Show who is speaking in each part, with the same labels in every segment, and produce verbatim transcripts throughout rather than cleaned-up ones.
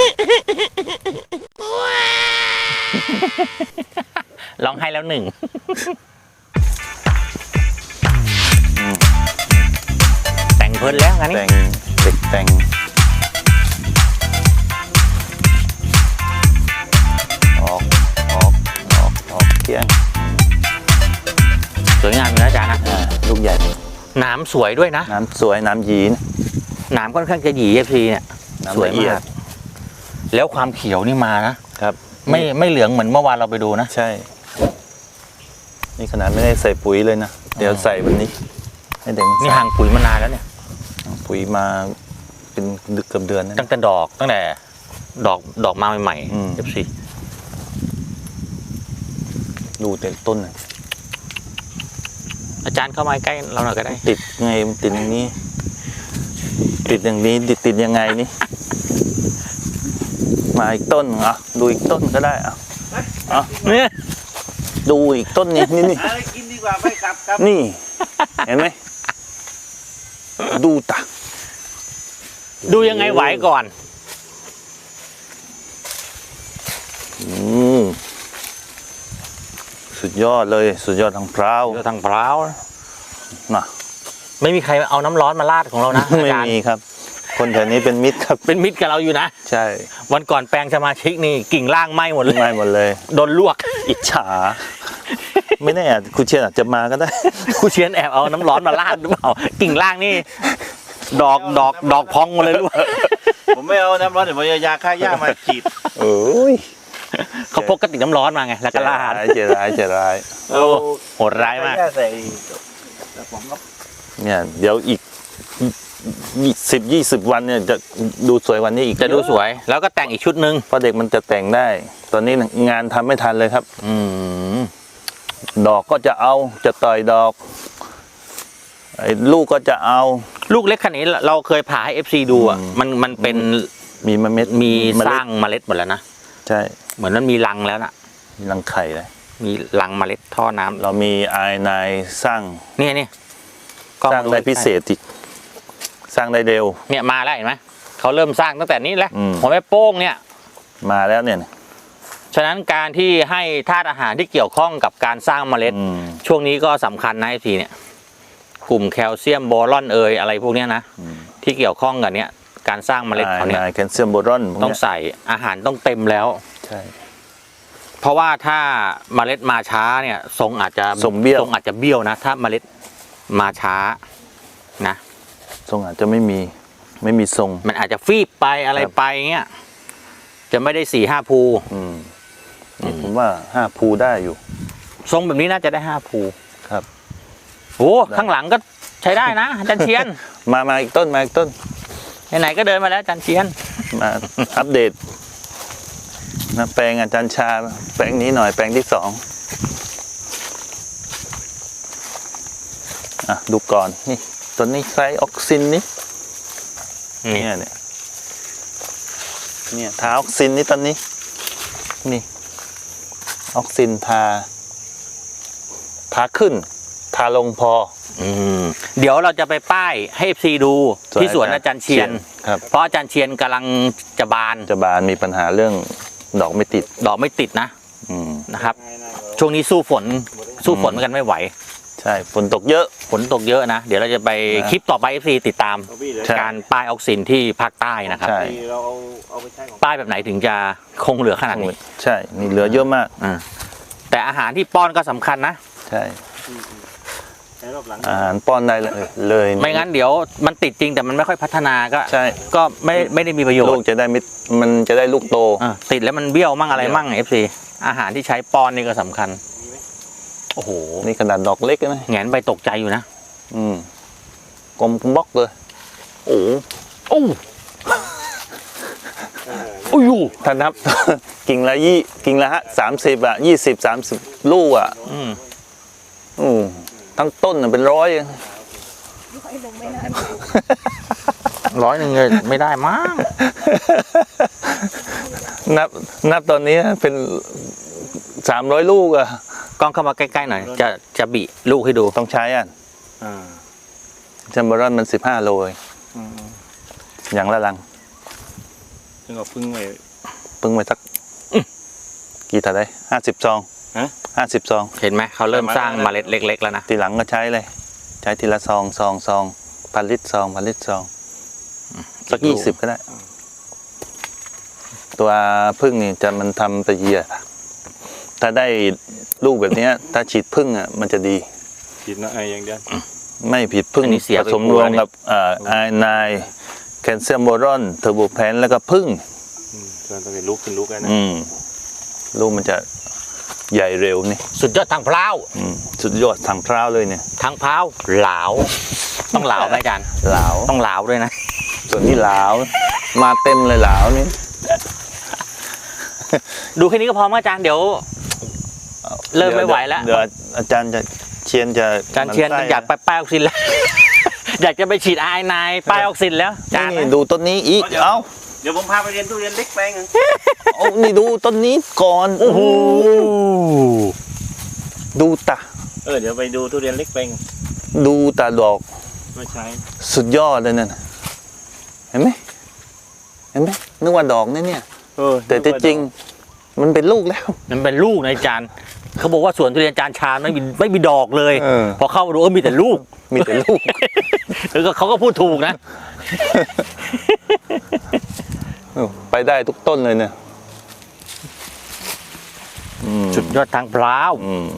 Speaker 1: ร้องไห้แล้วหนึ่งแต่งเพลินแล้วงั้นนี่
Speaker 2: แต่งเด็กแต่งออกออกออกออกเที่ยง
Speaker 1: สวยงามอยู่นะอาจารย์นะ
Speaker 2: ลูกใหญ่
Speaker 1: น้ำสวยด้วยนะ
Speaker 2: น้ำสวยน้ำยีน
Speaker 1: น้ำค่อนข้างจะหยีเอฟซีเนี่ยสวยมากแล้วความเขียวนี่มานะครับไม่ไม่เหลืองเหมือนเมื่อวานเราไปดูนะ
Speaker 2: ใช่นี่ขนาดไม่ได้ใส่ปุ๋ยเลยนะเดี๋ยวใส่วันนี้ให้เด็ก
Speaker 1: นี่ห่างปุ๋ยมานานแล้วเนี่ย
Speaker 2: ปุ๋ยมาเป็นดึกเกือบเดือนนะ
Speaker 1: ตั้งแต่ดอกตั้งแต่ดอกดอกมาใหม่ๆเอฟซี
Speaker 2: ดูแต่ต้น
Speaker 1: อาจารย์เข้ามาใกล้เราหน่อยก็ได้
Speaker 2: ติดไงมันติดอย่างนี้ติดอย่างนี้ติดติดยังไงนี่มาอีกต้นอ่ะดูอีกต้นก็ได้อ่ะอ่ะเนี่ยดูอีกต้นนี้นี่นี่
Speaker 3: กินดีกว่าไม่กลับครับ
Speaker 2: นี่เห็นไหมดูตา
Speaker 1: ดูยังไงไหวก่อน
Speaker 2: อืมสุดยอดเลยสุดยอดทางพร้าว
Speaker 1: ทางพร้าว
Speaker 2: นะ
Speaker 1: ไม่มีใครเอาน้ำร้อนมาราดของเรานะ
Speaker 2: ไม่มีครับคนแถวนี้เป็นมิตรครับ
Speaker 1: เป็นมิตรกับเราอยู่นะ
Speaker 2: ใช่
Speaker 1: วันก่อนแปลงสมาชิกนี่กิ่งล่างไหม้หมดเลย
Speaker 2: ไหม้หมดเลย
Speaker 1: โดนลวก
Speaker 2: อิจฉาไม่แน่ครูเชียนอาจจะมาก็ได้
Speaker 1: ครูเชียนแอบเอาน้ำร้อนมาราดหรือเปล่ากิ่งล่างนี่ดอกดอกดอกพองหมดเลยลูก
Speaker 3: ผมไม่เอาน้ำร้อนเดี๋ยวผมจะยาฆ่าหญ้ามาฉีด
Speaker 2: โอ้ย
Speaker 1: เขาพกกระติกน้ำร้อนมาไงแล้วก็ราด
Speaker 2: เจร้ายเจร้าย
Speaker 1: โอ้โหดร้ายมาก
Speaker 2: เนี่ยเดี๋ยวอีกสิบยี่สิบวันเนี่ยจะดูสวยกว่านี้อีก
Speaker 1: จะดูสวยแล้วก็แต่งอีกชุดหนึ่ง
Speaker 2: เพราะเด็กมันจะแต่งได้ตอนนี้งานทำไม่ทันเลยครับ
Speaker 1: อืม
Speaker 2: ดอกก็จะเอาจะต่อยดอกไอ้ลูกก็จะเอา
Speaker 1: ลูกเล็กขนาดนี้เราเคยผ่าให้ เอฟ ซี ดูอ่ะมันมันเป็น
Speaker 2: มีเม็ด
Speaker 1: มีสร้างเมล็ดหมดแล้วนะ
Speaker 2: ใช่
Speaker 1: เหมือนมันมีรังแล้วนะ
Speaker 2: มีรังไข่เลย
Speaker 1: มีรังเมล็ดท่อน้ำ
Speaker 2: เรามีไอไนสร้าง
Speaker 1: นี่นี่
Speaker 2: สร้างได้พิเศษอีกสร้างได้เร็ว
Speaker 1: เนี่ยมาแล้วเห็นไหมเขาเริ่มสร้างตั้งแต่นี้แหละหัวแม่โป้งเนี่ย
Speaker 2: มาแล้วเนี่ย
Speaker 1: ฉะนั้นการที่ให้ธาตุอาหารที่เกี่ยวข้องกับการสร้างเมล็ดช่วงนี้ก็สำคัญนะไอทีเนี่ยกลุ่มแคลเซียมโบรอนเอยอะไรพวกนี้นะที่เกี่ยวข้องกับเนี้ยการสร้างเมล็ดเขาเนี่ย
Speaker 2: แคลเซียมโบรอน
Speaker 1: ต้องใส่อาหารต้องเต็มแล้ว
Speaker 2: ใช่
Speaker 1: เพราะว่าถ้าเมล็ดมาช้าเนี่ยทรงอาจจะ
Speaker 2: ทรงเบี้ยว
Speaker 1: ทรงอาจจะเบี้ยวนะถ้าเมล็ดมาช้านะ
Speaker 2: ทรงอาจจะไม่มีไม่มีทรง
Speaker 1: มันอาจจะฟีบไปอะไรไปเงี้ยจะไม่ได้สี่ห้าภู
Speaker 2: อืมผมว่าห้าภูได้อยู่
Speaker 1: ทรงแบบนี้น่าจะได้ห้าภู
Speaker 2: ครับ
Speaker 1: โอ้ข้างหลังก็ใช้ได้นะอาจารย์เชียน
Speaker 2: มามาอีกต้นมาอีกต้น
Speaker 1: ไหนๆก็เดินมาแล้วอาจารย์เชียน
Speaker 2: มาอัปเดตนะแปลงอาจารย์ชาแปลงนี้หน่อยแปลงที่สองอ่ะดูก่อนนี่ต้นนี้ไซออกซินนี่เนี่ยเนี่ยเนี่ยทาออกซินนี่ต้นนี้นี่ออกซินทาทาขึ้นทาลงพอ
Speaker 1: อืมเดี๋ยวเราจะไปป้ายให้เอฟซีดูที่สวนอาจารย์เชียนเพราะอาจารย์เชียนกำลังจะบาน
Speaker 2: จะบานมีปัญหาเรื่องดอกไม่ติด
Speaker 1: ดอกไม่ติดนะนะครับช่วงนี้สู้ฝนสู้ฝนกันไม่ไหว
Speaker 2: ใช่ฝนตกเยอะ
Speaker 1: ฝนตกเยอะนะเดี๋ยวเราจะไปคลิปต่อไป เอฟ ซี ติดตามการป้ายออกซินที่ภาคใต้นะครับป้ายแบบไหนถึงจะคงเหลือขนาดนี้
Speaker 2: ใช่นี่เหลือเยอะมาก
Speaker 1: แต่อาหารที่ป้อนก็สำคัญนะ
Speaker 2: ใช่อาหารป้อนได้เลยเลย
Speaker 1: ไม่งั้นเดี๋ยวมันติดจริงแต่มันไม่ค่อยพัฒนาก็
Speaker 2: ใช่
Speaker 1: ก็ไม่ไม่ได้มีประโยชน์
Speaker 2: ลูกจะได้มิมันจะได้ลูกโต
Speaker 1: ติดแล้วมันเบี้ยวมั่งอะไรมั่ง เอฟ ซี อาหารที่ใช้ป้อนนี่ก็สำคัญโอ้โห
Speaker 2: นี่ขนาดดอกเล็กนะ
Speaker 1: แงนไปตกใจอยู่นะ
Speaker 2: อืมกลมบล็อกเลยโอ้
Speaker 1: โอ้โอ้ย
Speaker 2: ถ้านับกิ่งละยี่กิ่งละฮะสามสิบอ่ะยี่สิบสามสิบลูกอ่ะอืมอืมทั้งต้นเป็นร้อย
Speaker 1: ร้อยหนึ่งเลยไม่ได้มั้ง
Speaker 2: นับนับตอนนี้เป็นสามร้อยลูกอ่ะ
Speaker 1: กล้องเข้ามาใกล้ๆหน่อยจะจะบิลูกให้ดู
Speaker 2: ต้องใช้อ่ะจัมโบรอนมันสิบห้าโลอย่างละลัง
Speaker 3: ซึ่งเอาพึ่งไว้
Speaker 2: เพิ่งไปสักกี่ถาดได้ห้าสิบซอง
Speaker 3: ฮะ
Speaker 2: ห้าสิบซอง
Speaker 1: เห็นไหมเขาเริ่มสร้างเมล็ดเล็ก ๆ แล้วนะ
Speaker 2: ทีหลังก็ใช้เลย ใช้ทีละซองซองซองพันลิตรซองพันลิตรซองสักยี่สิบก็ได้ ตัวพึ่งนี่จะมันทำไปเยียถ้าได้ลูกแบบเนี้ย ถ้าฉีดพึ่งอ่ะมันจะดี
Speaker 3: ฉีดนะไออย่างเดียว
Speaker 2: ไม่ผิดพึ่ง
Speaker 1: อันนี้เสีย
Speaker 2: ผ
Speaker 1: ไป
Speaker 2: สม
Speaker 1: กลั
Speaker 2: ร
Speaker 1: ว
Speaker 2: วม
Speaker 1: นี่
Speaker 2: กับอ่าไอไนแคลเซียมโบรอนเทอร์โบแพนแล้วก็พึ่ง
Speaker 3: อืมส่วนตัวเป็นลูกเป็นลูกไงนะ
Speaker 2: อืมลูกมันจะใหญ่เร็วนี่
Speaker 1: สุดยอดทางพร้าว
Speaker 2: อืมสุดยอดทางพร้าวเลยเนี่ย
Speaker 1: ทางพร้าวเหลาต้องเหลาไหมอาจารย์
Speaker 2: หลาว
Speaker 1: ต้องเหลาด้วยนะ
Speaker 2: ส่วนนี้หลาวมาเต็มเลยหลาวนี่
Speaker 1: ดูแค่นี้ก็พอมั้งอาจารย์เดี๋ยว เริ่มไม่ไหวแล้ว
Speaker 2: เดี๋ยวอาจารย์จะเชียนจะ
Speaker 1: อาจารย์เชียน
Speaker 2: มันไส้
Speaker 1: อยากไปป้ายออกซินแล้ว อยากจะไปฉีดไอไนป้ายออกซินแล้วอาจารย์
Speaker 2: นี่ดูต้นนี้อีกเอ้า
Speaker 3: เดี๋ยวผมพาไปเรียนทุเรียนเล็กแปลงหนึ่ง
Speaker 2: เอานี่ดูต้นนี้ก่อน
Speaker 1: โอ้โห
Speaker 2: ดูตา
Speaker 3: เออเดี๋ยวไปดูทุเรียนเล็กแปลง
Speaker 2: ดูตาดอก
Speaker 3: ไม่ใช้
Speaker 2: สุดยอดเลยนั่นน่ะเห็นไหมเห็นไหมนึกว่าดอกนะเนี่ย
Speaker 3: เออ
Speaker 2: แต่ที่จริงมันเป็นลูกแล้ว
Speaker 1: มันเป็นลูกนะอาจารย์เขาบอกว่าสวนทุเรียนอาจารย์ชาญไม่มีไม่มีดอกเลย
Speaker 2: เออ
Speaker 1: พอเข้ามาดูเออมีแต่ลูก
Speaker 2: มีแต่ลูก
Speaker 1: แล้วก็เขาก็พูดถูกนะ
Speaker 2: เออไปได้ทุกต้นเลยเนี่ยอืม
Speaker 1: สุดยอดทางพร้าว
Speaker 2: อืม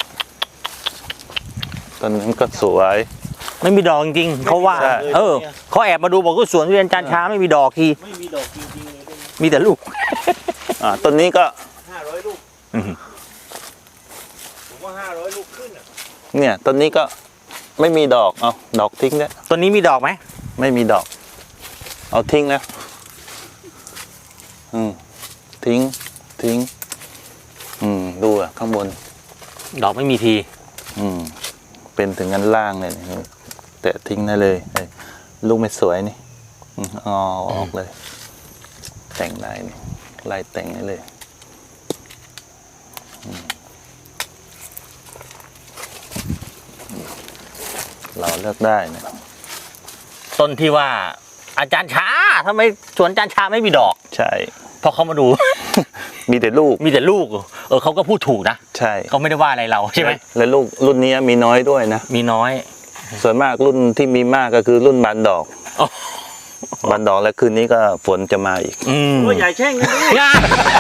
Speaker 2: ต้นนั้นก็สวย
Speaker 1: ไม่มีดอกจริงๆเขาว่า
Speaker 2: ใช่
Speaker 1: เออเขาแอบมาดูบอกว่าสวนทุเรียนอาจารย์ชาไม่มีดอกที
Speaker 3: ไม่มีดอกจริงๆเลยด้วยนะ
Speaker 1: มีแต่ลูก
Speaker 2: อ่าต้นนี้ก็
Speaker 3: ห้าร้อยลูก
Speaker 1: อื้อหือ
Speaker 3: ผมว่าห้าร้อยลูกขึ้นอ่ะ
Speaker 2: เนี่ยต้นนี้ก็ไม่มีดอกเอาดอกทิ้งแล้ว
Speaker 1: ตัวนี้มีดอกไหม
Speaker 2: ไม่มีดอก เอาทิ้งแล้วอืมทิ้งทิ้ง อืมดูอ่ะข้างบน
Speaker 1: ดอกไม่มีที
Speaker 2: อืมเป็นถึงกันล่างเลยนี่แตะทิ้งได้เลยเอ้ยลูกไม่สวยนี่อืมอ๋อออกเลย แต่งได้นี่ไล่แต่งได้เลยอืมเราเลือกได้นะ
Speaker 1: ต้นที่ว่าอาจารย์ชาทำไมสวนอาจารย์ชาไม่มีดอก
Speaker 2: ใช่
Speaker 1: พอเขามาดู
Speaker 2: มีแต่ลูก
Speaker 1: มีแต่ลูกเออเขาก็พูดถูกนะ
Speaker 2: ใช่
Speaker 1: เขาไม่ได้ว่าอะไรเราใช่ไหม
Speaker 2: และลูกรุ่นนี้มีน้อยด้วยนะ
Speaker 1: มีน้อย
Speaker 2: ส่วนมากรุ่นที่มีมากก็คือรุ่นบานดอก
Speaker 1: อ๋อ
Speaker 2: บานดอกแล้วคืนนี้ก็ฝนจะมาอีก
Speaker 1: อืม
Speaker 3: โอ้ยใหญ่แช่งนะนี่
Speaker 1: งา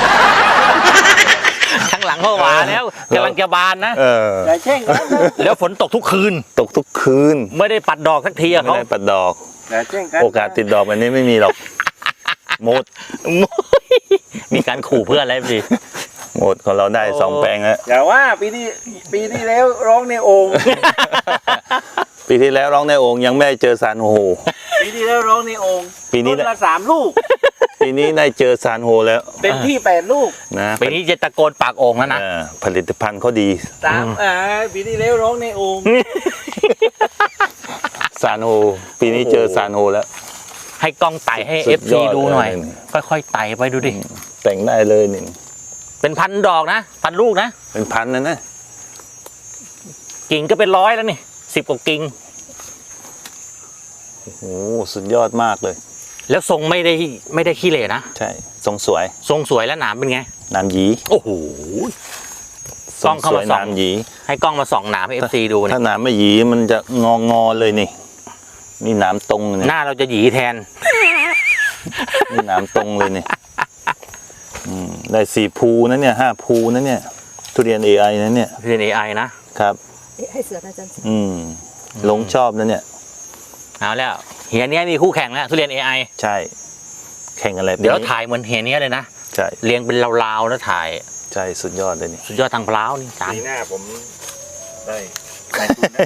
Speaker 1: ข้างหลังเขาหวาแล้วกำลังจะบานนะ
Speaker 2: เออ
Speaker 3: ใหญ่แช่งกันนะ
Speaker 1: แล้วฝนตกทุกคืน
Speaker 2: ตกทุกคืน
Speaker 1: ไม่ได้ปัดดอกสักทีอะ
Speaker 2: ไม่
Speaker 1: เขา
Speaker 2: ได้ปัดดอก
Speaker 3: ใหญ่แช่งกัน
Speaker 2: โอกาสติดดอกแบบนี้ไม่มีหรอกหมด
Speaker 1: มีการขู่เพื่อนอะไรสิ
Speaker 2: หมดของเราได้สองแปลงแล้ว
Speaker 3: อย่าว่าปีที่ปีที่แล้วร้องในโอ่ง
Speaker 2: ปีที่แล้วร้องในโอ่งยังไม่ได้เจอซานโฮ
Speaker 3: ปีที่แล้วร้องในโอ่ง
Speaker 2: ปีนี้
Speaker 3: ต้นละสามลูก
Speaker 2: ปีนี้ได้เจอซานโฮแล้ว
Speaker 3: เต็มที่แปดลูก
Speaker 2: นะ
Speaker 1: ปีนี้จะตะโกนปากโอ่งแล้วนะ
Speaker 2: เออผลิตภัณฑ์เขาดี
Speaker 3: สามอ่าปีที่แล้วร้องในโอ่ง
Speaker 2: ซานโฮปีนี้เจอซานโฮแล้ว
Speaker 1: ให้กล้องไต่ให้
Speaker 2: สุ
Speaker 1: เอ
Speaker 2: ด
Speaker 1: ฟ
Speaker 2: ย
Speaker 1: ซี
Speaker 2: อด
Speaker 1: ดูหน่อย
Speaker 2: เลย
Speaker 1: ค่อยๆไต่ไปดูดิ
Speaker 2: แต่งได้เลยนี่
Speaker 1: เป็นพันดอกนะพันลูกนะ
Speaker 2: เป็นพันนะนะ
Speaker 1: กิ่งก็เป็นร้อยแล้วนี่สิบกว่ากิ่ง
Speaker 2: โอ้โหสุดยอดมากเลย
Speaker 1: แล้วทรงไม่ได้ไม่ได้ขี้เหร่นะ
Speaker 2: ใช่ทรงสวย
Speaker 1: ทรงสวยและหนามเป็นไง
Speaker 2: น้ำหยี
Speaker 1: โอ้โห
Speaker 2: ทรงสวย
Speaker 1: กล้องเข้ามาส่อง
Speaker 2: น้ำหยี
Speaker 1: ให้กล้องมาส่องหนามให้เอฟซีดูเนี่
Speaker 2: ถ้าย น้ำไม่หยีมันจะงองอๆเลยนี่นี่น้ำตรงเนี่ย
Speaker 1: หน้าเราจะหยีแทน
Speaker 2: นี่น้ำตรงเลยนี่อืมได้สี่ภูนะเนี่ยห้าภูนะเนี่ยทุเรียน เอ ไอ นะเนี่ย
Speaker 1: เรียนเอไอนะครับ
Speaker 4: ให้เสืออาจารย์
Speaker 2: อืมหลงชอบนะเนี่ย
Speaker 1: เอาแล้วเฮียเนี้ยมีคู่แข่งแล้วทุเรียน เอ ไอ
Speaker 2: ใช่ แข่งอะไร
Speaker 1: เดี๋ยว
Speaker 2: ปีนี้
Speaker 1: ถ่ายเหมือนเฮียเนี้ยเลยนะ
Speaker 2: ใช่
Speaker 1: เรียงเป็นราวๆแล้วถ่าย
Speaker 2: ใช่สุดยอดเลยนี่
Speaker 1: สุดยอดทางพล้าวนี่จาน
Speaker 3: ปีหน้าผมได้ได้ทุนนะ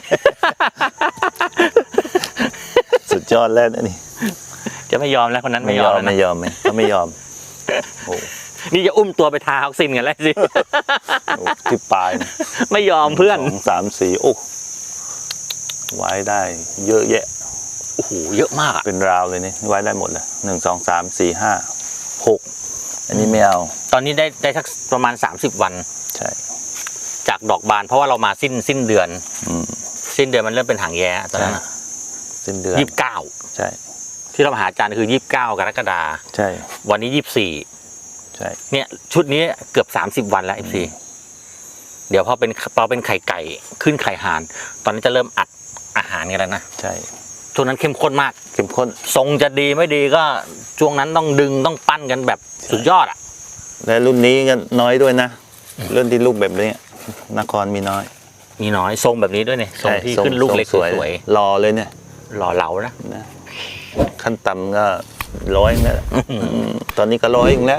Speaker 2: สุดยอดแล้วนะนี่
Speaker 1: จะไม่ยอมแล้วคนนั้น
Speaker 2: ไม่
Speaker 1: ไม่
Speaker 2: ย
Speaker 1: ย
Speaker 2: อ
Speaker 1: อ
Speaker 2: ม
Speaker 1: มแล้ว
Speaker 2: ไม่
Speaker 1: นะ
Speaker 2: ยอมไม่เขาไม่ยอมโอ้
Speaker 1: นี่จะอุ้มตัวไปทาออกซินกันแล้วสิ
Speaker 2: โหที่ปลายนะ
Speaker 1: ไม่ยอมเพื่อน
Speaker 2: สองสามสี่โอ้ไว้ได้ เยอะแยะ
Speaker 1: โอ้โหเยอะมากอะ
Speaker 2: เป็นราวเลยนี่ไว้ได้หมดเลยหนึ่งสองสามสี่ห้าหกอันนี้ไม่เอา
Speaker 1: ตอนนี้ได้ได้สักประมาณสามสิบวัน
Speaker 2: ใช่
Speaker 1: จากดอกบาน เพราะว่าเรามาสิ้นสิ้นเดือน
Speaker 2: อืม
Speaker 1: สิ้นเดือนมันเริ่มเป็นหางแย้ตอนนั้น
Speaker 2: สิ้นเดือน
Speaker 1: ยี่สิบเก้า
Speaker 2: ใช่
Speaker 1: ที่เรามาหาอาจารย์คือยี่สิบเก้ากรกฎาคม
Speaker 2: ใช่
Speaker 1: วันนี้ยี่สิบสี่
Speaker 2: ใช่
Speaker 1: เนี่ยชุดนี้เกือบสามสิบวันแล้ว เอฟ ซี เดี๋ยวพอเป็นพอเป็นไข่ไก่ขึ้นไข่ห่าน ตอนนี้จะเริ่มอัดอาหารกันแล้วนะ
Speaker 2: ใช่
Speaker 1: ช่วงนั้นเข้มข้นมาก
Speaker 2: เข้มข้น
Speaker 1: ทรงจะดีไม่ดีก็ช่วงนั้นต้องดึงต้องปั้นกันแบบสุดยอดอ่ะ
Speaker 2: และรุ่นนี้ก็น้อยด้วยนะรุ่นที่ลูกแบบนี้นครมีน้อย
Speaker 1: มีน้อยทรงแบบนี้ด้วยเนี่ยทรงที่ขึ้นลูกเล็กสวย
Speaker 2: รอเลยเนี่ย
Speaker 1: ๆหล่อเหลานะ
Speaker 2: นะขั้นต่ำก็ร้อยแล้วตอนนี้ก็ร้อยอีกแล้ว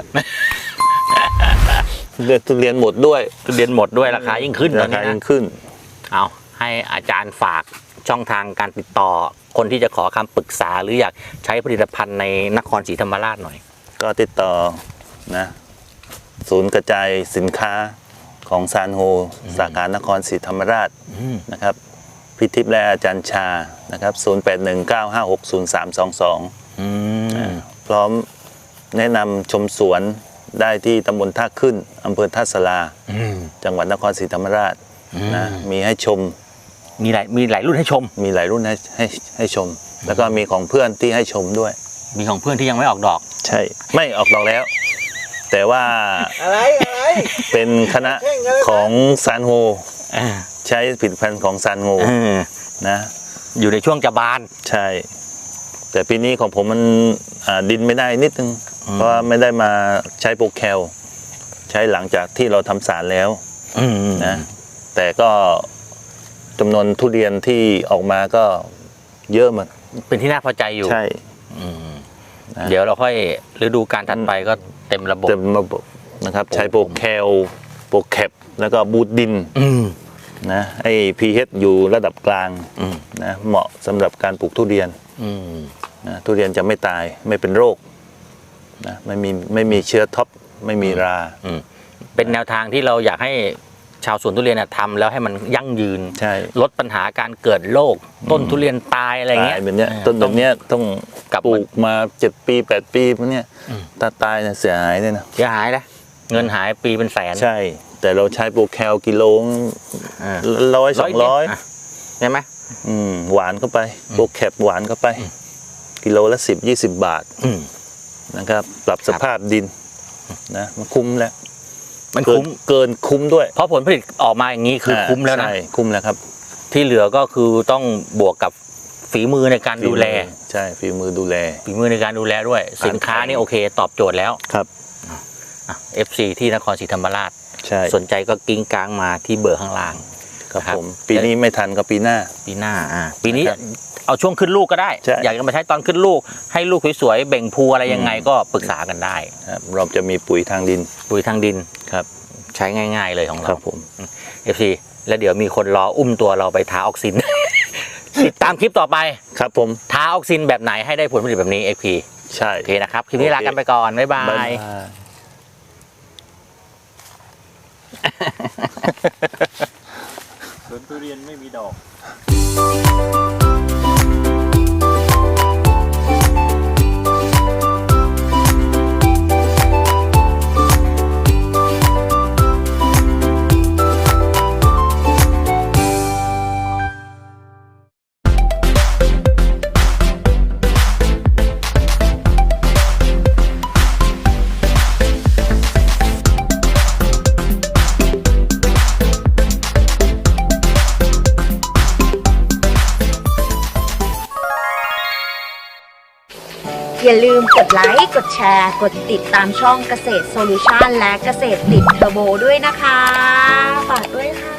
Speaker 2: เลือดทุเรียนหมดด้วย
Speaker 1: ทุเรียนหมดด้วยราคายิ่งขึ้นตอ
Speaker 2: ราน คา
Speaker 1: นี้
Speaker 2: ยิ่ง
Speaker 1: นะ
Speaker 2: ขึ้น
Speaker 1: เอาให้อาจารย์ฝากช่องทางการติดต่อ คนที่จะขอคำปรึกษาหรืออยากใช้ผลิตภัณฑ์ในนครศรีธรรมราชหน่อย
Speaker 2: ก็ติดต่อนะศูนย์กระจายสินค้าของซานโฮสาขานครศรีธรรมราชนะครับพิทิพย์และอาจารย์ชานะครับศูนย์ แปด หนึ่ง เก้า ห้า หก ศูนย์ สาม สอง สอง
Speaker 1: อืม
Speaker 2: พร้อมแนะนำชมสวนได้ที่ตำบลท่าขึ้นอำเภอท่าสลา
Speaker 1: อืม
Speaker 2: จังหวัดนครศรีธรรมราชนะมีให้ชม
Speaker 1: มีหลายมีหลายรุ่นให้ชม
Speaker 2: มีหลายรุ่นให้ให้ให้ชม แล้วก็มีของเพื่อนที่ให้ชมด้วย
Speaker 1: มีของเพื่อนที่ยังไม่ออกดอก
Speaker 2: ใช่ไม่ออกดอกแล้ว แต่ว่า
Speaker 3: อะไรอะไร
Speaker 2: เป็นคณะของซานโฮ
Speaker 1: อ่า
Speaker 2: ใช้ผลิตภัณฑ์ของซานโฮ
Speaker 1: เออ
Speaker 2: นะ
Speaker 1: อยู่ในช่วงจะบาน
Speaker 2: ใช่ แต่ปีนี้ของผมมันอ่าดินไม่ได้นิดนึง
Speaker 1: อืม
Speaker 2: เพราะว่าไม่ได้มาใช้โปรแคลใช้หลังจากที่เราทำสารแล้ว
Speaker 1: อืม
Speaker 2: นะแต่ก็จำนวนทุเรียนที่ออกมาก็เยอะเหมือน
Speaker 1: เป็นที่น่าพอใจอยู่
Speaker 2: ใช่
Speaker 1: อืม
Speaker 2: นะ
Speaker 1: เดี๋ยวเราค่อยฤดูการถัดไปก็เต็มระบบ
Speaker 2: เต็มระบบนะครับใช้โปรแคลโปรแคปแล้วก็บูทดิน
Speaker 1: อืม
Speaker 2: นะให้ pH อยู่ระดับกลาง
Speaker 1: อืม
Speaker 2: นะเหมาะสำหรับการปลูกทุเรียน
Speaker 1: อืม
Speaker 2: นะทุเรียนจะไม่ตายไม่เป็นโรคนะไม่มีไม่มีเชื้อท็อปไม่มีรา
Speaker 1: อืมเป็นแนวทางที่เราอยากให้ชาวสวนทุเรียนน่ะทำแล้วให้มันยั่งยืน
Speaker 2: ใช่
Speaker 1: ลดปัญหาการเกิดโรคต้นทุเรียนตายอะไรเงี้ย
Speaker 2: ตายแบบเนี้ย
Speaker 1: ออ
Speaker 2: ต้นแบบเนี้ยต้อง
Speaker 1: กลับ
Speaker 2: ปลู
Speaker 1: มา
Speaker 2: กมาเจ็ดปีแปดปีพวกเนี้ย
Speaker 1: อืม
Speaker 2: ถ้าตายเนี่ยเสียหายเลยนะ
Speaker 1: เสียหายนะเงินหายปีเป็นแสน
Speaker 2: ใช่ แต่เราใช้โปรแคลกิโล
Speaker 1: อ่า
Speaker 2: ร้อยสองร้อย
Speaker 1: ะใช่ไหม
Speaker 2: อืมหวานเข้าไปโปรแคปหวานเข้าไป กิโลละสิบยี่สิบบาท
Speaker 1: อืม
Speaker 2: นะครับ ปรับสภาพดินนะมันคุ้มแล้ว
Speaker 1: มัน
Speaker 2: เกิ
Speaker 1: คุ้
Speaker 2: น
Speaker 1: ม
Speaker 2: เกินคุ้มด้วย
Speaker 1: เพราะผลผลิตออกมาอย่างนี้คือคุ้มแล้วนะ
Speaker 2: ใช่คุ้มแล้วครับ
Speaker 1: ที่เหลือก็คือต้องบวกกับฝีมือในการดูแล
Speaker 2: ใช่ฝีมือดูแล
Speaker 1: ฝีมือในการดูแลด้วย สินค้านี่โอเค ตอบโจทย์แล้ว
Speaker 2: ครับ
Speaker 1: อ่ะ เอฟ ซี ที่นครศรีธรรมราช
Speaker 2: ใช่
Speaker 1: สนใจก็กิ้งกลางมาที่เบอร์ข้างล่าง
Speaker 2: ครับ
Speaker 1: ครับ
Speaker 2: ผมปีนี้ไม่ทันก็ปีหน้า
Speaker 1: ปีหน้าอ่าปีนี้
Speaker 2: นะครับ
Speaker 1: เอาช่วงขึ้นลูกก็ได้
Speaker 2: ใช่
Speaker 1: อยากจะมาใช้ตอนขึ้นลูก ให้ลูกสวยๆเบ่งพูอะไรยังไงก็ปรึกษากันได้
Speaker 2: ครับเราจะมีปุ๋ยทางดิน
Speaker 1: ปุ๋ยทางดิน
Speaker 2: ครับ
Speaker 1: ใช้ง่ายๆเลยของ
Speaker 2: ค
Speaker 1: เรา
Speaker 2: รับผม
Speaker 1: เอฟ ซี แล้วเดี๋ยวมีคนรออุ้มตัวเราไปทาออกซิน ติดตามคลิปต่อไป
Speaker 2: ครับผม
Speaker 1: ทาออกซินแบบไหนให้ได้ผลผลิตแบบนี้ เอฟ พี
Speaker 2: ใช่
Speaker 1: โอเคนะครับ คลิปนี้ลากันไปก่อน บ๊ายบา
Speaker 2: บ๊าย
Speaker 1: ย
Speaker 2: บาย
Speaker 3: สวนทุเรียนไม่มีดอก
Speaker 4: อย่าลืมกดไลค์ กดแชร์ กดติดตามช่องเกษตรโซลูชันและเกษตรติดเทอร์โบด้วยนะคะ ฝากด้วยค่ะ